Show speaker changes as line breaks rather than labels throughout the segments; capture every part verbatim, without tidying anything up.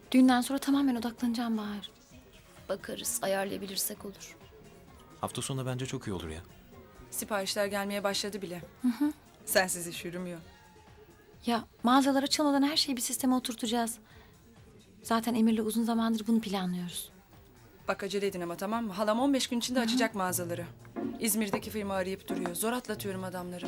Düğünden sonra tamamen odaklanacağım Bahar. Bakarız, ayarlayabilirsek olur.
Hafta sonu bence çok iyi olur ya.
Siparişler gelmeye başladı bile. Hı hı. Sensiz iş yürümüyor.
Ya mağazalar açılmadan her şeyi bir sisteme oturtacağız. Zaten Emir'le uzun zamandır bunu planlıyoruz.
Bak acele edin ama, tamam mı? Halam on beş gün içinde açacak mağazaları. İzmir'deki firma arayıp duruyor. Zor atlatıyorum adamları.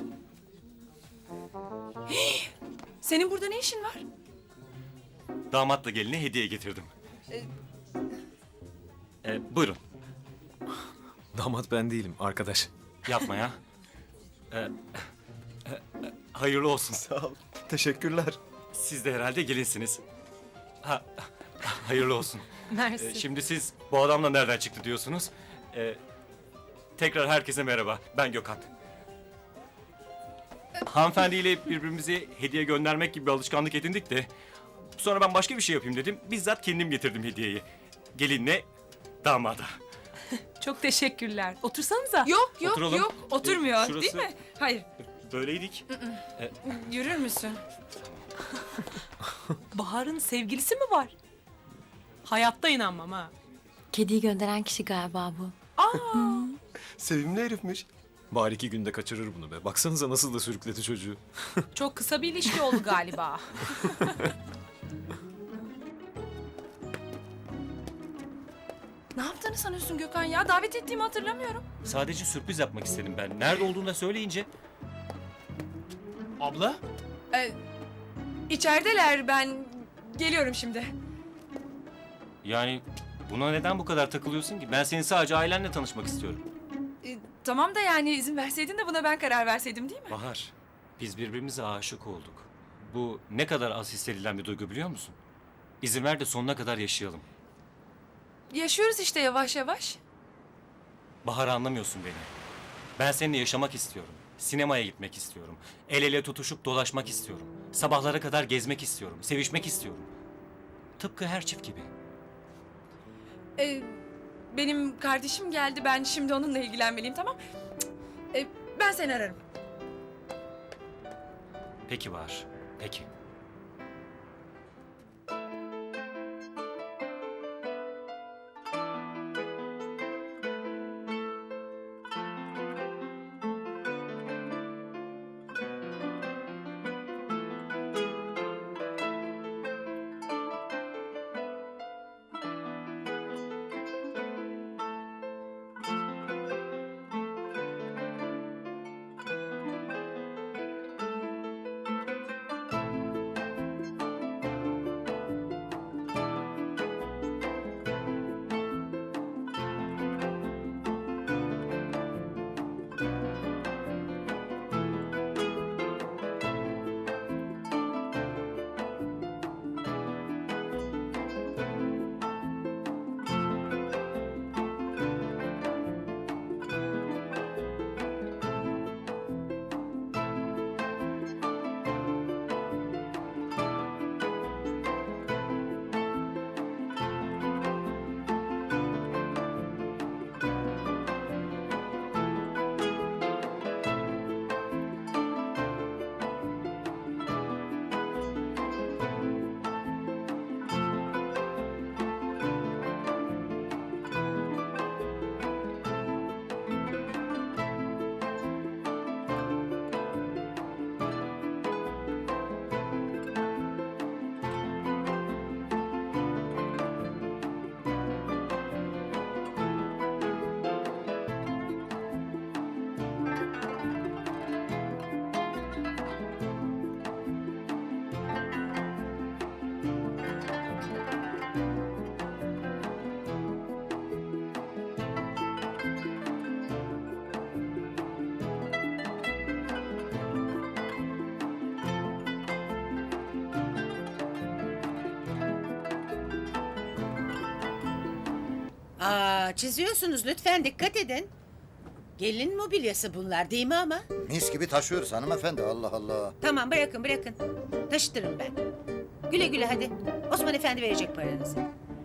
Hii! Senin burada ne işin var?
Damatla geline hediye getirdim. Ee, buyurun.
Damat ben değilim, arkadaş.
Yapma ya. Ee, e, e, hayırlı olsun.
Sağ ol. Teşekkürler.
Siz de herhalde gelinsiniz. Ha, hayırlı olsun.
Mersi.
Ee, şimdi siz bu adamla nereden çıktı diyorsunuz. Ee, tekrar herkese merhaba. Ben Gökhan. Hanımefendiyle birbirimize hediye göndermek gibi bir alışkanlık edindik de... Sonra ben başka bir şey yapayım dedim. Bizzat kendim getirdim hediyeyi. Gelinle damada.
Çok teşekkürler. Otursanıza.
Yok yok
Oturalım.
yok. Oturmuyor
Ee, şurası-
değil mi? Hayır.
Böyleydik.
Yürür müsün?
Bahar'ın sevgilisi mi var? Hayatta inanmam ha.
Kediyi gönderen kişi galiba bu.
Sevimli herifmiş. Bari iki günde kaçırır bunu be. Baksanıza nasıl da sürükledi çocuğu.
Çok kısa bir ilişki oldu galiba.
Ne yaptığını sanıyorsun Gökhan ya? Davet ettiğimi hatırlamıyorum.
Sadece sürpriz yapmak istedim ben. Nerede olduğunu da söyleyince... Abla?
Ee, içerideler, ben geliyorum şimdi.
Yani buna neden bu kadar takılıyorsun ki? Ben senin sadece ailenle tanışmak istiyorum.
Ee, tamam da yani izin verseydin de buna ben karar verseydim değil mi?
Bahar, biz birbirimize aşık olduk. Bu ne kadar az hissedilen bir duygu biliyor musun? İzin ver de sonuna kadar yaşayalım.
Yaşıyoruz işte yavaş yavaş.
Bahar, anlamıyorsun beni. Ben seninle yaşamak istiyorum. Sinemaya gitmek istiyorum. El ele tutuşup dolaşmak istiyorum. Sabahlara kadar gezmek istiyorum. Sevişmek istiyorum. Tıpkı her çift gibi.
Ee, benim kardeşim geldi, ben şimdi onunla ilgilenmeliyim, tamam? Cık, ee, ben seni ararım.
Peki Bahar, peki.
Aa, çiziyorsunuz, lütfen dikkat edin. Gelin mobilyası bunlar değil mi ama?
Mis gibi taşıyoruz hanımefendi, Allah Allah.
Tamam, bırakın bırakın. Taşıtırım ben. Güle güle hadi. Osman Efendi verecek paranızı.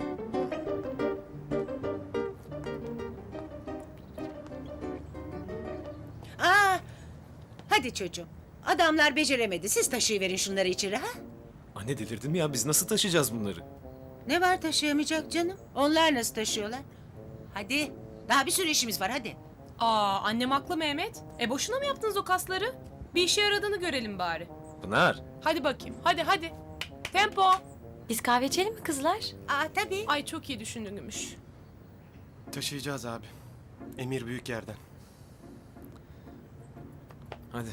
Aa, hadi çocuğum. Adamlar beceremedi. Siz taşıyıverin şunları içeri ha?
Anne delirdin mi ya? Biz nasıl taşıyacağız bunları?
Ne var taşıyamayacak canım? Onlar nasıl taşıyorlar? Hadi. Daha bir sürü işimiz var hadi.
Aa, annem haklı Mehmet. E boşuna mı yaptınız o kasları? Bir işe yaradığını görelim bari.
Pınar.
Hadi bakayım. Hadi hadi. Tempo.
Biz kahve içelim mi kızlar?
Aa tabii.
Ay çok iyi düşündün Gümüş.
Taşıyacağız abi. Emir büyük yerden. Hadi.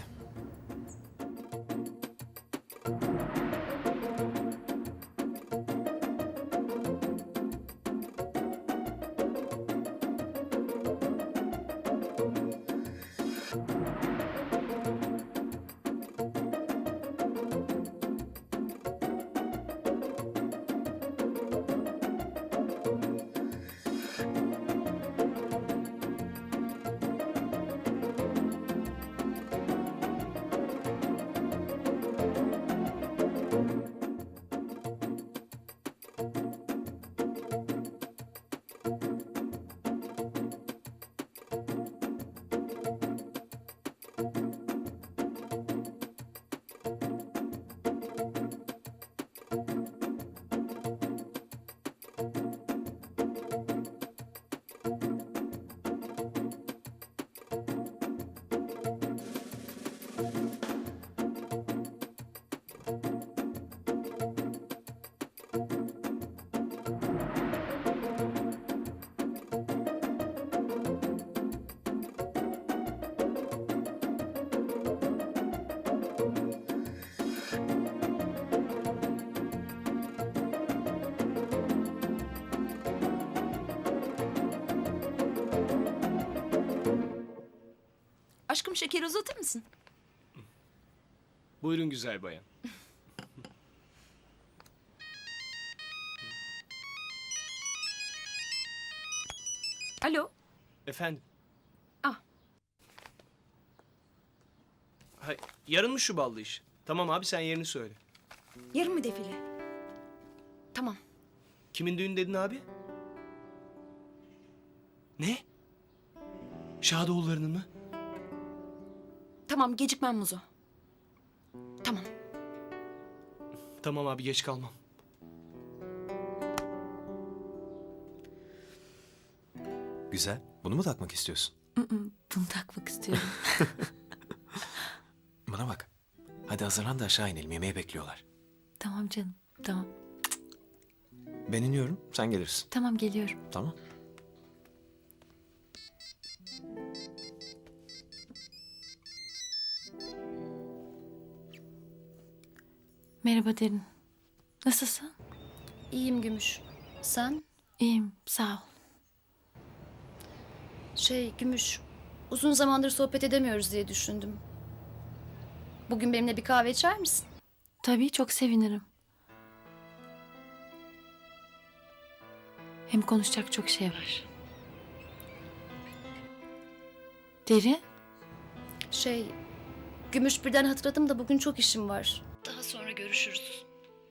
Aşkım şekeri uzatır mısın?
Buyurun güzel bayan.
Alo.
Efendim?
Ah.
Hay, yarın mı şu ballı iş? Tamam abi sen yerini söyle.
Yarın mı defile? Tamam.
Kimin düğünü dedin abi? Ne? Şadoğullarının mı?
Tamam gecikmem Muzo. Tamam.
Tamam abi geç kalmam.
Güzel. Bunu mu takmak istiyorsun?
Bunu takmak istiyorum.
Bana bak. Hadi hazırlan da aşağı inelim. Yemeği bekliyorlar.
Tamam canım, tamam.
Ben iniyorum. Sen gelirsin.
Tamam geliyorum.
Tamam.
Merhaba Derin. Nasılsın?
İyiyim Gümüş. Sen?
İyiyim, sağ ol.
Şey Gümüş, uzun zamandır sohbet edemiyoruz diye düşündüm. Bugün benimle bir kahve içer misin?
Tabii çok sevinirim. Hem konuşacak çok şey var. Derin?
Şey, Gümüş birden hatırladım da bugün çok işim var. Daha sonra görüşürüz.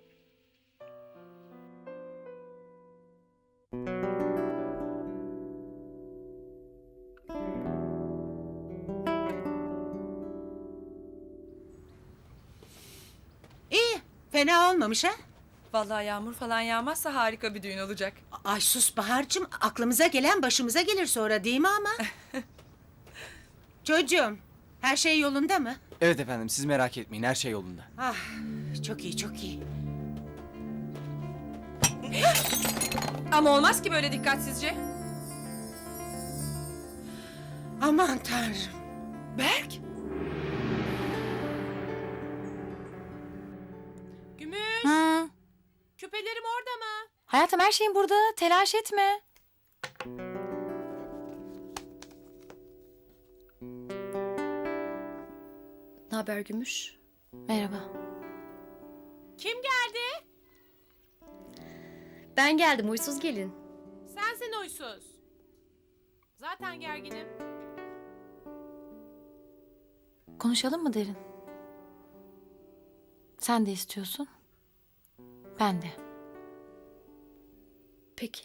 İyi. Fena olmamış ha?
Vallahi yağmur falan yağmazsa harika bir düğün olacak.
Ay sus Bahar'cığım. Aklımıza gelen başımıza gelir sonra değil mi ama? Çocuğum her şey yolunda mı?
Evet efendim siz merak etmeyin her şey yolunda.
Ah çok iyi çok iyi.
Ama olmaz ki böyle dikkatsizce.
Aman tanrım.
Berk.
Gümüş.
Hı.
Küpelerim orada mı?
Hayatım her şeyin burada. Telaş etme.
Ne haber Gümüş?
Merhaba.
Kim geldi?
Ben geldim huysuz gelin.
Sensin uysuz. Zaten gerginim.
Konuşalım mı Derin? Sen de istiyorsun. Ben de.
Peki.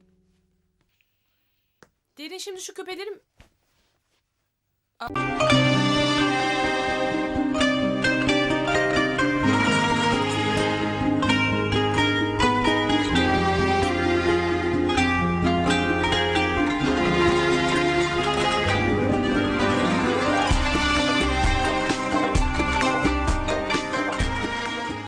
Derin şimdi şu küpelerim... Aa.